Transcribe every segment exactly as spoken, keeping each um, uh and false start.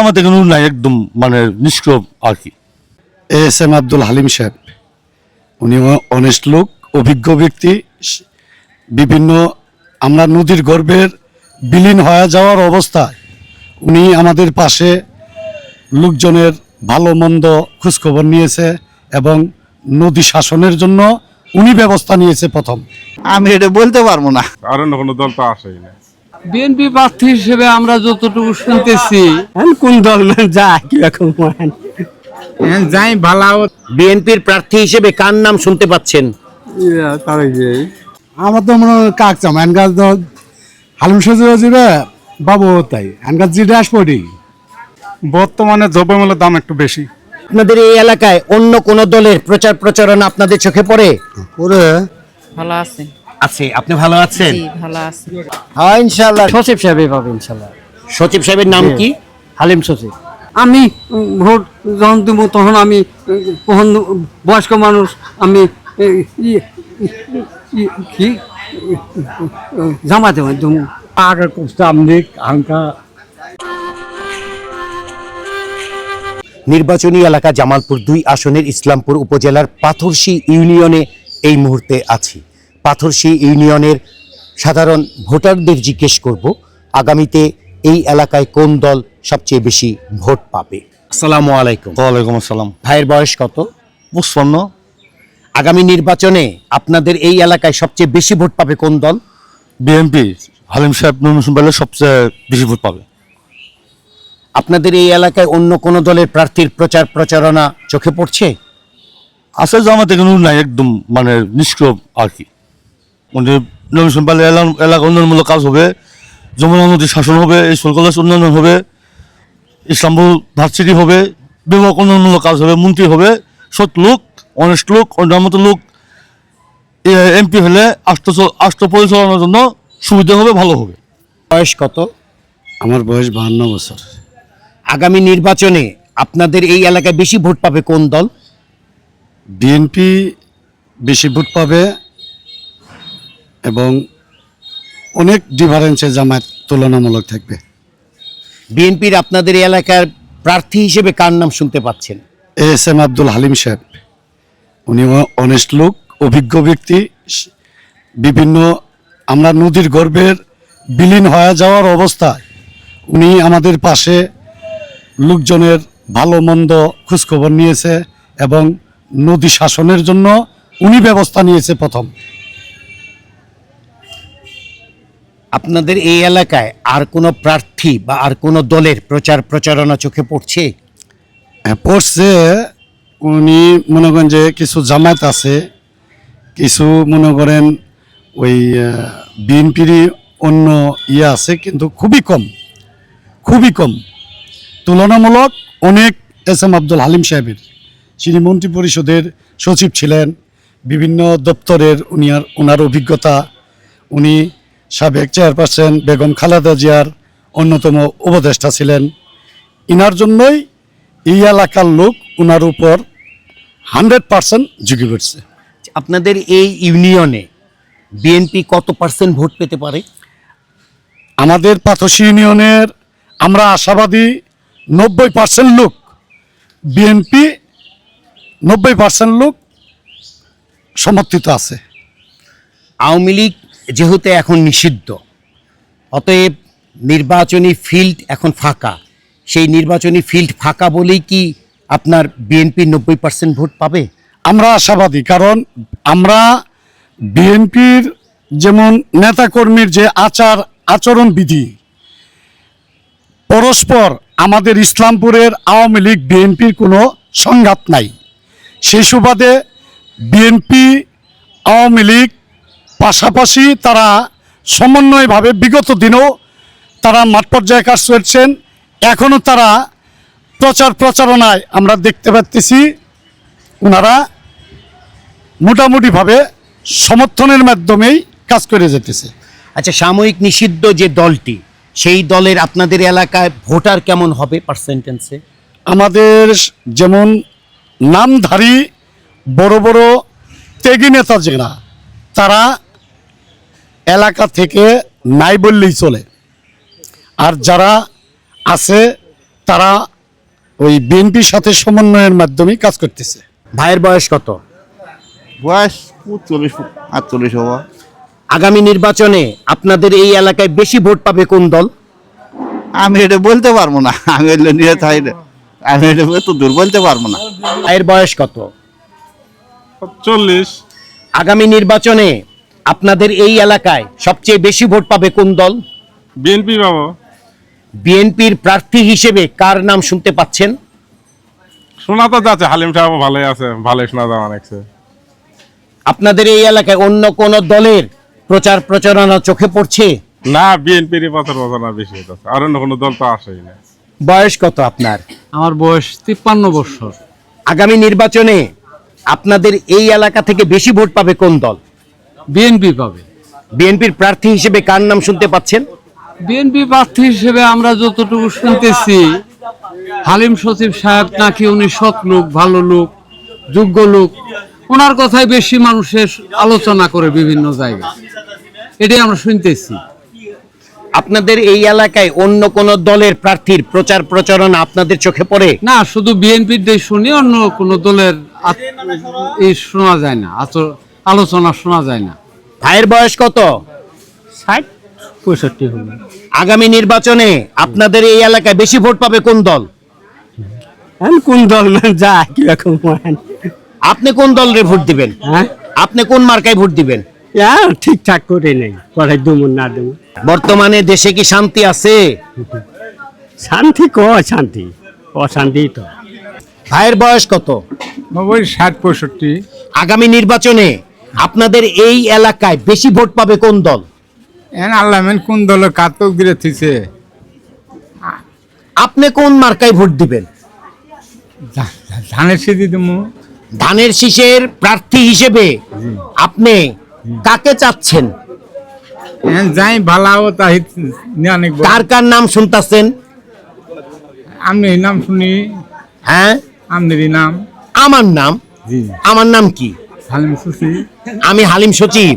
জামাত এখানে নাই, একদম মানে নিষ্ক্রিয় আর কি। এস এম আব্দুল হালিম সাহেব, উনি অনেস্ট লোক, অভিজ্ঞ ব্যক্তি। বিভিন্ন আমরা নদীর গর্ভের বিলীন হয়ে যাওয়ার অবস্থায় উনি আমাদের পাশে লোকজনের ভালো মন্দ খোঁজখবর নিয়েছে এবং নদী শাসনের জন্য উনি ব্যবস্থা নিয়েছে প্রথম। আমি এটা বলতে পারবো না, আর অন্য কোনো দল তো আসেই না। বিএনপি প্রার্থী হিসেবে আমরা যতটুকু শুনতেছি, কোন দল যায় কিরকম যাই ভালো। বিএনপির প্রার্থী হিসেবে কার নাম শুনতে পাচ্ছেন? আমার তো মনে হয় কাক চাম এনগাছ হালিম সজিব যাবে বাবু, তাই এনগাছ জিডে আসবো। বর্তমানে দ্রব্যমূল্যের দাম একটু বেশি। আপনাদের এই এলাকায় অন্য কোন দলের প্রচার প্রচারণা আপনাদের চোখে পড়ে? ওরে ভালো আছে। আছে। আপনি ভালো আছেন? জি ভালো আছে। হ্যাঁ ইনশাআল্লাহ। সচিব সাহেব পাবে ইনশাল্লাহ। সচিব সাহেবের নাম কি? হালিম সচিব। আমি উম, ভোট যখন দেবো তখন আমি উম, তখন বয়স্ক মানুষ, আমি এই, ই- ই- কি জামাতে দেবো। আগে কুস্তাম দিক আঙ্কা নির্বাচনী এলাকা জামালপুর দুই আসনের ইসলামপুর উপজেলার পাথরশী ইউনিয়নে এই মুহূর্তে আছি। পাথরশী ইউনিয়নের সাধারণ ভোটারদের জিজ্ঞেস করব আগামীতে এই এলাকায় কোন দল সবচেয়ে বেশি ভোট পাবে। আসসালামু আলাইকুম। ওয়ালাইকুম আসসালাম। ভাইয়ের বয়স কত? পঁচপান্ন। আগামী নির্বাচনে আপনাদের এই এলাকায় সবচেয়ে বেশি ভোট পাবে কোন দল? বিএনপি হালিম সাহেব নমিনেশন পেলে সবচেয়ে বেশি ভোট পাবে। আপনাদের এই এলাকায় অন্য কোন দলের প্রার্থীর প্রচার প্রচারণা চোখে পড়ছে? আছে, জামাত এখানে নাই, একদম মানে নিষ্ক্রিয় আর কি। মানে নমিনেশন পেলে এলাকা উন্নয়নমূলক কাজ হবে, যমুনা নদীর শাসন হবে, স্কুল কলেজ উন্নয়ন হবে, ইসলামপুর ভার্সিটি হবে, বিভাগ উন্নয়নমূলক কাজ হবে, মন্ত্রী হবে, সৎ লোক, অনেস্ট লোক, অন্যান্য মতো লোক এমপি হলে রাষ্ট্র রাষ্ট্র পরিচালনার জন্য সুবিধা হবে, ভালো হবে। বয়স কত? আমার বয়স বাহান্ন বছর। আগামী নির্বাচনে আপনাদের এই এলাকায় বেশি ভোট পাবে কোন দল? বিএনপি বেশি ভোট পাবে এবং অনেক ডিফারেন্সে জামায়াত তুলনামূলক থাকবে। বিএনপির আপনাদের এই এলাকার প্রার্থী হিসেবে কার নাম শুনতে পাচ্ছেন? এস এম আব্দুল হালিম সাহেব, উনি অনেস্ট লোক, অভিজ্ঞ ব্যক্তি। বিভিন্ন আমরা নদীর গর্ভের বিলীন হয়ে যাওয়ার অবস্থায় উনি আমাদের পাশে লোকজনের ভালো মন্দ খোঁজখবর নিয়েছে এবং নদী শাসনের জন্য উনি ব্যবস্থা নিয়েছে প্রথম। আপনাদের এই এলাকায় আর কোনো প্রার্থী বা আর কোনো দলের প্রচার প্রচারণা চোখে পড়ছে? হ্যাঁ, পড়ছে। উনি মনে করেন যে কিছু জামায়াত আছে, কিছু মনে করেন ওই বিএনপিরই অন্য ইয়ে আছে, কিন্তু খুবই কম, খুবই কম তুলনামূলক। অনেক এস এম আব্দুল হালিম সাহেবের, যিনি মন্ত্রী পরিষদের সচিব ছিলেন, বিভিন্ন দপ্তরের উনি আর ওনার অভিজ্ঞতা, উনি সাবেক চেয়ারপারসন বেগম খালেদা জিয়ার অন্যতম উপদেষ্টা ছিলেন। ইনার জন্যই এই এলাকার লোক ওনার উপর হান্ড্রেড পার্সেন্ট ঝুঁকে পড়ছে। আপনাদের এই ইউনিয়নে বিএনপি কত পার্সেন্ট ভোট পেতে পারে? আমাদের পাথরশী ইউনিয়নের আমরা আশাবাদী নব্বই পার্সেন্ট লোক বিএনপি, নব্বই পার্সেন্ট লোক সমর্থিত আছে। আওয়ামী লীগ যেহেতু এখন নিষিদ্ধ, অতএব নির্বাচনী ফিল্ড এখন ফাঁকা। সেই নির্বাচনী ফিল্ড ফাঁকা বলেই কি আপনার বিএনপি নব্বই পার্সেন্ট ভোট পাবে? আমরা আশাবাদী, কারণ আমরা বিএনপির যেমন নেতাকর্মীর যে আচার আচরণ বিধি, পরস্পর আমাদের ইসলামপুরের আওয়ামী লীগ বিএনপির কোনো সংঘাত নাই। সেই সুবাদে বিএনপি আওয়ামী লীগ পাশাপাশি তারা সমন্বয়ভাবে বিগত দিনেও তারা মাঠ পর্যায়ে কাজ করছেন। এখনও তারা প্রচার প্রচারণায় আমরা দেখতে পাচ্ছি ওনারা মোটামুটিভাবে সমর্থনের মাধ্যমেই কাজ করে যেতেছে। আচ্ছা, সাময়িক নিষিদ্ধ যে দলটি, সেই দলের আপনাদের এলাকায় ভোটার কেমন হবে পার্সেন্টেন্সে? আমাদের যেমন নামধারী বড় বড় ত্যাগী নেতা যারা, তারা এলাকা থেকে নাই বললেই চলে। আর যারা আছে তারা ওই বিএনপির সাথে সমন্বয়ের মাধ্যমে কাজ করতেছে। ভাইয়ের বয়স কত? বয়স চল্লিশ আটচল্লিশ হওয়া। আগামী নির্বাচনে আপনাদের এই এলাকায় বেশি ভোট পাবে কোন দল? আমি এটা বলতে পারবো না, আমি এগুলো নিয়ে থাই না, আমি এটা তো দূর বলতে পারবো না। ভাইয়ের বয়স কত? চল্লিশ। আগামী নির্বাচনে আপনাদের এই এলাকায় সবচেয়ে বেশি ভোট পাবে কোন দল? বিএনপি বাবু। বিএনপির প্রার্থী হিসেবে কার নাম শুনতে পাচ্ছেন? শোনা তো যাচ্ছে হালিম সাহেব ভালোই আছে, ভালোই শোনা যাওয়া অনেকছে। আপনাদের এই এলাকায় অন্য কোন দলের প্রচার প্রচারণা চোখে পড়ছে? না, বিএনপির প্রচার প্রচারণা বেশি হইতেছে, আর অন্য কোনো দল তো আসেই না। বয়স কত আপনার? আমার বয়স তিপ্পান্ন বছর। আগামী নির্বাচনে আপনাদের এই এলাকা থেকে বেশি ভোট পাবে কোন দল? বিএনপি পাবে। বিএনপির প্রার্থী হিসেবে কার নাম শুনতে পাচ্ছেন? বিএনপি প্রার্থী হিসেবে আমরা যতটুকু শুনতেছি, হালিম সচিব সাহেব নাকি উনি সৎ লোক, ভালো লোক, যোগ্য লোক, ওনার কথাই বেশি মানুষের আলোচনা করে বিভিন্ন জায়গায়, এটাই আমরা শুনতেছি। আপনাদের এই এলাকায় অন্য কোন দলের প্রার্থীর প্রচার প্রচারণা আপনাদের চোখে পড়ে? না, শুধু বিএনপির দিয়ে শুনি, অন্য কোনো দলের আত- এই শোনা যায় না, আচ- আলোচনা শোনা যায় না। ভাইয়ের বয়স কত? ষাট পঁয়ষট্টি হবে। আগামী নির্বাচনে আপনাদের এই এলাকায় বেশি ভোট পাবে কোন দল? কোন দল যা কিরকম আপনি কোন দলের ভোট দিবেন? হ্যাঁ, আপনি কোন মার্কায় ভোট দিবেন? ঠিকঠাক করে নেই, করাই দেবো না দেবো। বর্তমানে দেশে কি শান্তি আছে? শান্তি ক শান্তি, অশান্তি তো। ভাইয়ের বয়স কত? ওই ষাট পঁয়ষট্টি। আগামী নির্বাচনে আপনাদের এই এলাকায় বেশি ভোট পাবে কোন দল? এন আল্লাহ মেন কোন দলের কাতক দিয়ে থিছে, আপনি কোন মার্কায় ভোট দিবেন? ধানের সিদ্ধি দিমু। ধানের শীষের প্রার্থী হিসেবে আপনি কাকে চাচ্ছেন? এন যাই ভালাও তাই অনেক। কার কার নাম শুনতাছেন? আমি নাম শুনি, হ্যাঁ, আমনেরই নাম। আমার নাম? জি, আমার নাম কি? হালিম সুসি। আমি হালিম সচিব।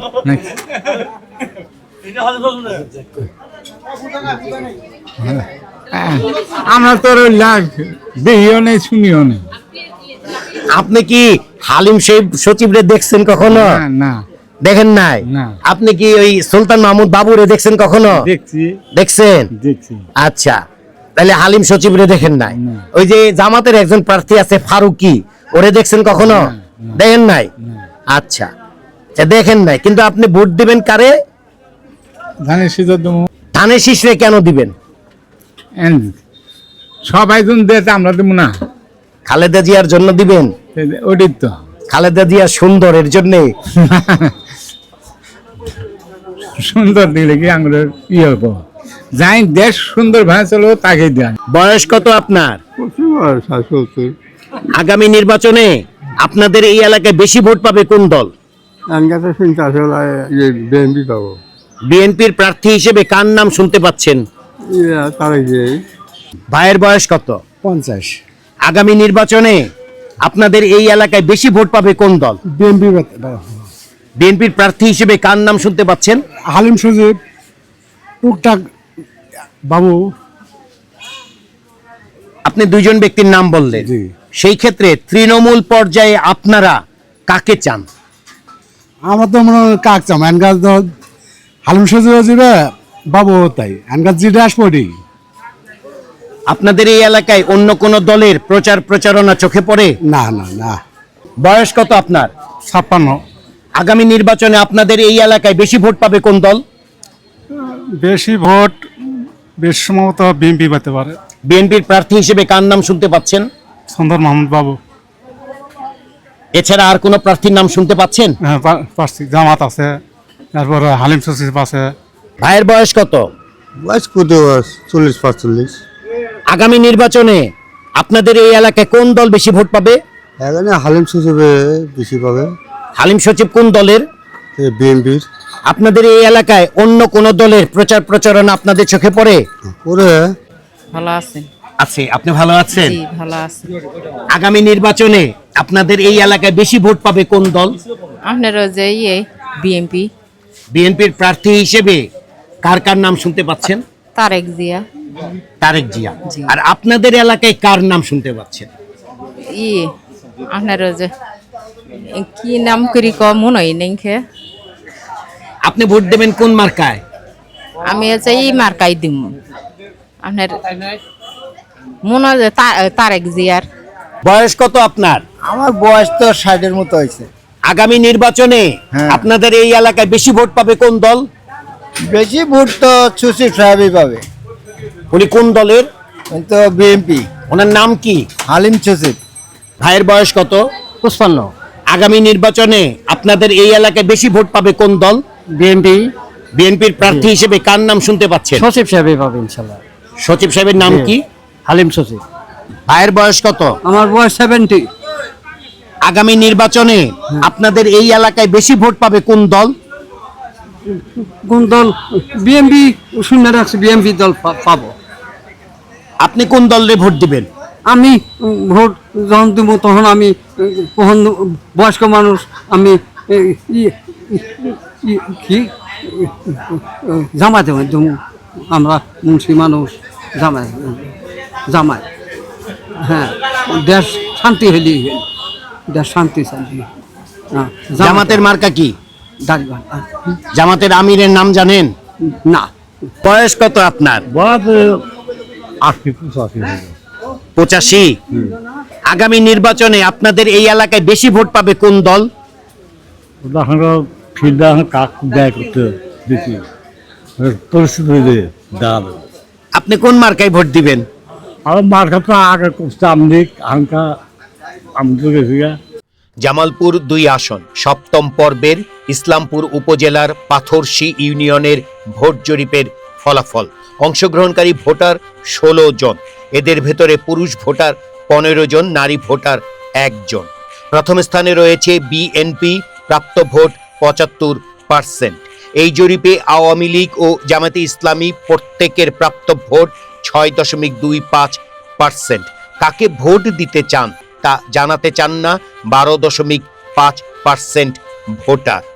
আমরা তোর দেখিও নেই, শুনিও নেই। আপনি কি হালিম সচিবরে দেখছেন কখনো? না, না দেখেন নাই? না। আপনি কি ওই সুলতান মাহমুদ বাবুরে দেখছেন কখনো? দেখছি, দেখছেন? দেখছি। আচ্ছা, তাহলে হালিম সচিবরে দেখেন নাই। ওই যে জামাতের একজন প্রার্থী আছে ফারুকি, ওরে দেখছেন কখনো? দেখেন নাই? আচ্ছা, আচ্ছা, দেখেন নাই, কিন্তু আপনি ভোট দিবেন কারে? ধানের সিদ্ধ দিমু। ধানের শীষরে কেন দিবেন? এন সবাই জন দেয়, আমরা দেবো না। খালেদা জিয়ার জন্য দিবেন? ওটাই তো। খালেদা জিয়া সুন্দর, এর জন্য? সুন্দর দিলে কি আঙুলের ইয়ে হবো, যাই দেশ সুন্দর ভাবে চলো তাকে দেন। বয়স কত আপনার? আগামী নির্বাচনে আপনাদের এই এলাকায় বেশি ভোট পাবে কোন দল? বিএনপি পাবো। বিএনপির প্রার্থী হিসেবে কার নাম শুনতে পাচ্ছেন? ভাইয়ের বয়স কত? পঞ্চাশ। আগামী নির্বাচনে আপনাদের এই এলাকায় বেশি ভোট পাবে কোন দল? বিএনপি বিএনপির প্রার্থী হিসেবে কার নাম শুনতে পাচ্ছেন? হালিম সজিব, টুকটাক বাবু। আপনি দুইজন ব্যক্তির নাম বললেন, জি। সেই ক্ষেত্রে তৃণমূল পর্যায়ে আপনারা কাকে চান? আমার তো মনে হয় কাক চাম এনগাছ হালিম সজিব যাবে বাবু, তাই এনগাছ জিটা আসবি। আপনাদের এই এলাকায় অন্য কোন দলের প্রচার প্রচারণা চোখে পড়ে? না না না। বয়স কত আপনার? ছাপ্পান্ন। আগামী নির্বাচনে আপনাদের এই এলাকায় বেশি ভোট পাবে কোন দল? বেশি ভোট বেশ সম্ভবত বিএনপি পেতে পারে। বিএনপির প্রার্থী হিসেবে কার নাম শুনতে পাচ্ছেন? সুন্দর মাহমুদ বাবু। এছাড়া আর কোন প্রার্থীর নাম শুনতে পাচ্ছেন? হ্যাঁ, পা- পারছি, জামাত আছে, তারপরে হালিম সচিব আছে। ভাইয়ের বয়স কত? বয়স কত? চল্লিশ পাঁচচল্লিশ। আগামী নির্বাচনে আপনাদের এই এলাকায় কোন দল বেশি ভোট পাবে? এখানে হালিম সচিবে বেশি পাবে, হালিম সচিব কোন দলের? বিএনপির। আপনাদের এই এলাকায় অন্য কোন দলের প্রচার প্রচারণা আপনাদের চোখে পড়ে? পরে ভালো আছেন? আছে। আপনি ভালো আছেন? জি, ভালো আছেন। আগামী নির্বাচনে আপনাদের এই এলাকায় বেশি ভোট পাবে কোন দল? আপনারা যে ইয়ে বিএনপি, বিএনপির প্রার্থী হিসেবে কার কার নাম শুনতে পাচ্ছেন? তারেক জিয়া। তারেক জিয়া। আর আপনাদের এলাকায় কার নাম শুনতে পাচ্ছেন? ই আপনার ওই যে এ কি নাম করি ক মনে হয় নেই খে। আপনি ভোট দেবেন কোন মার্কায়? আমি হচ্ছে ই মার্কাই দিম আপনার মনে হয় যে তা- তারেক জিয়ার। বয়স কত আপনার? আমার বয়স তো ষাটের মতো হয়েছে। আগামী নির্বাচনে হ্যাঁ। আপনাদের এই এলাকায় বেশি ভোট পাবে কোন দল? বেশি ভোট তো সুশীল সাহেবই পাবে, উনি কোন দলের? কিন্তু বিএনপি। ওনার নাম কি? হালিম সুশীল। ভাইয়ের বয়স কত? পুষ্পান্ন। আগামী নির্বাচনে আপনাদের এই এলাকায় বেশি ভোট পাবে কোন দল? বিএনপি। বিএনপির প্রার্থী হিসেবে কার নাম শুনতে পাচ্ছেন? সচিব সাহেবই পাবে ইনশাল্লাহ। সচিব সাহেবের নাম কি? হালিম সচিব। ভাইয়ের বয়স কত? আমার বয়স সেভেন্টি। আগামী নির্বাচনে আপনাদের এই এলাকায় বেশি ভোট পাবে কোন দল? কোন দল? বিএমপি শুনে রাখছি, বিএমপি দল পা- পাবো। আপনি কোন দলে ভোট দিবেন? আমি উম, ভোট যখন দিব তখন আমি উম, তখন বয়স্ক মানুষ আমি এ, ই- ই- কি জামাতে দেব। আমরা মুন্সি মানুষ জামাই জামাই হ্যাঁ, দেশ শান্তি হইলি দেশ শান্তি শান্তি হ্যাঁ, জামাতের মার্কা কি? দাঁড়িয়ে জামাতের আমিরের নাম জানেন? না। বয়স কত আপনার? পঁচাশি। আগামী নির্বাচনে আপনাদের এই এলাকায় বেশি ভোট পাবে কোন দল? আপনি কোন মার্কায় ভোট দিবেন? জামালপুর দুই আসন সপ্তম পর্বের ইসলামপুর উপজেলার পাথরশী ইউনিয়নের ভোট জরিপের ফলাফল। অংশগ্রহণকারী ভোটার ষোলো জন, এদের ভেতরে পুরুষ ভোটার পনেরো জন, নারী ভোটার একজন। প্রথম স্থানে রয়েছে বিএনপি, প্রাপ্ত ভোট পঁচাত্তর পার্সেন্ট। এই জরিপে আওয়ামী লীগ ও জামায়াতে ইসলামী প্রত্যেকের প্রাপ্ত ভোট ছয় দশমিক দুই পাঁচ পার্সেন্ট। কাকে ভোট দিতে চান তা জানাতে চান না বারো দশমিক পাঁচ পার্সেন্ট ভোটার।